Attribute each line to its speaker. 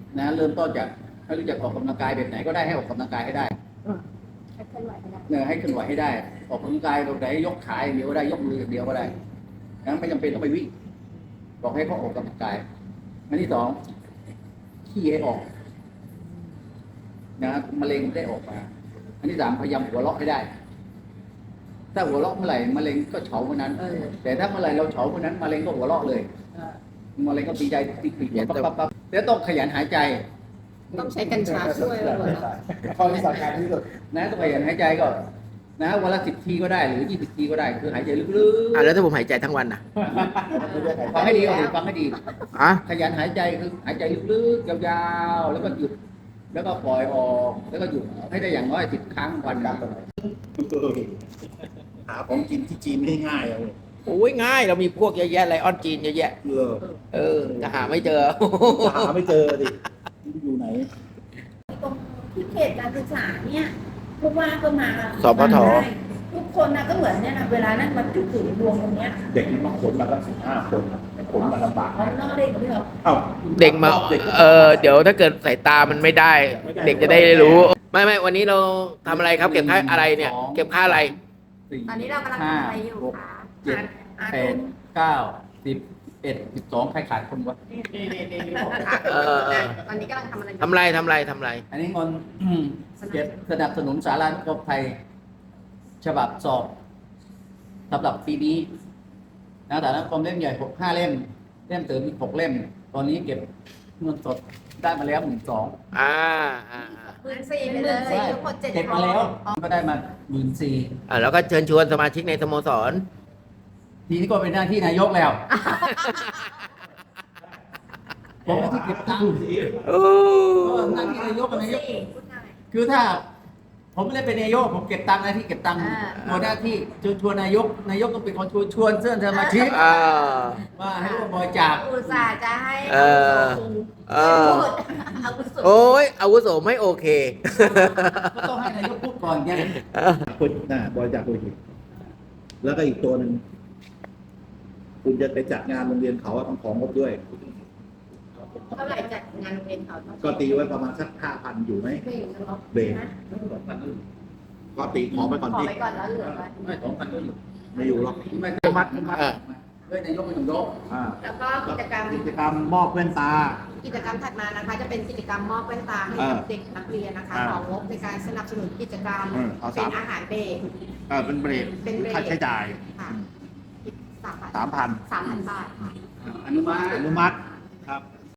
Speaker 1: นะเริ่มต้นจากให้รู้จักออกกำลังกายแบบไหนก็ได้ให้ออกกำลังกายให้ได้
Speaker 2: ให้เคลื่อนไหวให้ได้
Speaker 1: เนี่ยให้เคลื่อนไหวให้ได้ ออกกำลังกายแบบไหนยกขาอย่างเดียวก็ได้ยกมืออย่างเดียวก็ได้นะไม่จำเป็นต้องไปวิ่งบอกให้เขาออกกำลังกายอันที่สองขี้ให้ออกนะมะเร็งได้ออกมาอันที่สามพยายามหัวเราะให้ได้ ถ้าหัวเราะเมื่อไหร่มะเร็งก็เฉาเมื่อนั้นแต่ถ้าเมื่อไหร่เราเฉาเมื่อนั้นมะเร็งก็หัวเราะเลยมะเร็งก็ดีใจติดปั๊บแล้วต้องขยันหายใจ
Speaker 2: ต้องใช้กัญชาช่วยด้วยนะ
Speaker 3: ข้อที่สำคัญที่สุด
Speaker 1: นะต้องขยันหายใจก็นะวันละ10 ทีก็ได้หรือ20 ทีก็ได้คือหายใจลึก
Speaker 4: แล้วถ้าผมหายใจทั้งวันน่ะ
Speaker 1: ๆฟังให้ดีฟังให้ดี
Speaker 4: อ่ะ
Speaker 1: ขยันหายใจคือหายใจลึกๆยาวๆแล้วก็หยุดแล้วก็ปล่อยออกแล้วก็หยุดให้ได้อย่างน้อย10 ครั้งวันละ
Speaker 3: หาของกินที่จีนไม่ง่ายเลย
Speaker 4: โอ้ยง่ายเรามีพวกเยอะแยะไลออนจีนเยอะแยะจะหาไม่เจอ
Speaker 3: หาไม่เจอดิอยู่ไหน
Speaker 2: ตรงที่เขตการศึกษาเนี่ยผู้ว่าก็มา
Speaker 4: สพท
Speaker 2: ทุกคนนะก็เหมือนเนี่ยนะเวลานั้นมันจุดถึงดวงตรงเนี้ย
Speaker 3: เด็กนี่มาขนมาตั้ง15 คนขนมาลำบาก
Speaker 2: เขานอกเด็กด้วยเหรอ
Speaker 3: เอ้า
Speaker 4: เด็กมาเดี๋ยวถ้าเกิดสายตามันไม่ได้ เด็กจะได้รู้ ไม่วันนี้เราทำอะไรครับ เก็บค่าอะไรเนี่ย เก็บค่าอะไร
Speaker 2: ตอนนี้เรากำลังทำอะไรอยู่คะ
Speaker 1: 7 8 9 10 11 12ใครขาดคนวะ
Speaker 2: ตอนนี้กำลังทำอะไรอยู่
Speaker 4: ทำไร
Speaker 1: อันนี้งนเก็บสนับสนุนสารานุกรมไทยฉบับสอบสำหรับปีนี้นะแต่ละกรมเล่มใหญ่5 เล่มเล่มเติมอีก6 เล่ม ตอนนี้เก็บเงินสดได้มาแล้ว12,000
Speaker 2: 14,000ไปเลยทั้งหมด7
Speaker 1: เก็บมาแล้วก็ได้มา14,000
Speaker 4: แล้วก็เชิญชวนสมาชิกในสโมสร
Speaker 1: ทีนี้ก็เป็นหน้าที่นายกแล้วผมหน้าที่เก็บตังค์ก็หน้าที่นายกกับนายกคือถ้าผมไม่ได้เป็นนายกผมเก็บตังค์หน้าที่เก็บตังค์ตัวหน้าที่ชวนนายกต้องเป็นคนชวนเสื้อสมาชิกว่าให้ร่วมบริจาค
Speaker 2: อุตส่าห์จะให้ พูดอาวุโส
Speaker 4: โอ้ยอาวุโสไม่โอเค
Speaker 1: ก็ต้องให้นายกพูดก่อนไง
Speaker 3: คนบริจาคโลหิตแล้วก็อีกตัวหนึ่งคุณจะไปจัดงานโรงเรียนเขาต้องของงบด้วย
Speaker 2: เท่าไหร่จัดงานโรงเรียนเขา
Speaker 3: ก็ตีไว้ประมาณสัก5,000อยู่ไหม
Speaker 2: ไม่อยู่เนาะ
Speaker 3: เบรกก็ตีขอไปก่อน
Speaker 2: ขอ
Speaker 3: ดิ
Speaker 2: ไปก่อนแล้วเหลือไว้
Speaker 1: ไม่2,000ก็อยู่
Speaker 3: ไม่อยู่หรอก
Speaker 1: ไม่มัดด้วยนายกไม่ต้องยก
Speaker 2: แล้วก็กิจกรรม
Speaker 3: กิจกรรมมอบแว่นตา
Speaker 2: กิจกรรมถัดมานะคะ จะเป็นกิจกรรมมอบแว่นตาให้กับเด็กนักเรียนนะคะของงบในการสนับสนุนกิจกรรมเป็นอาหารเบรก
Speaker 3: เป็นเบรก
Speaker 2: เป็นเบรก
Speaker 3: ค่าใช้จ่าย
Speaker 2: ค่ะ
Speaker 3: 3,000
Speaker 2: 3,000 บาทค่ะ
Speaker 1: อนุมัติ
Speaker 3: อนุมัติครับ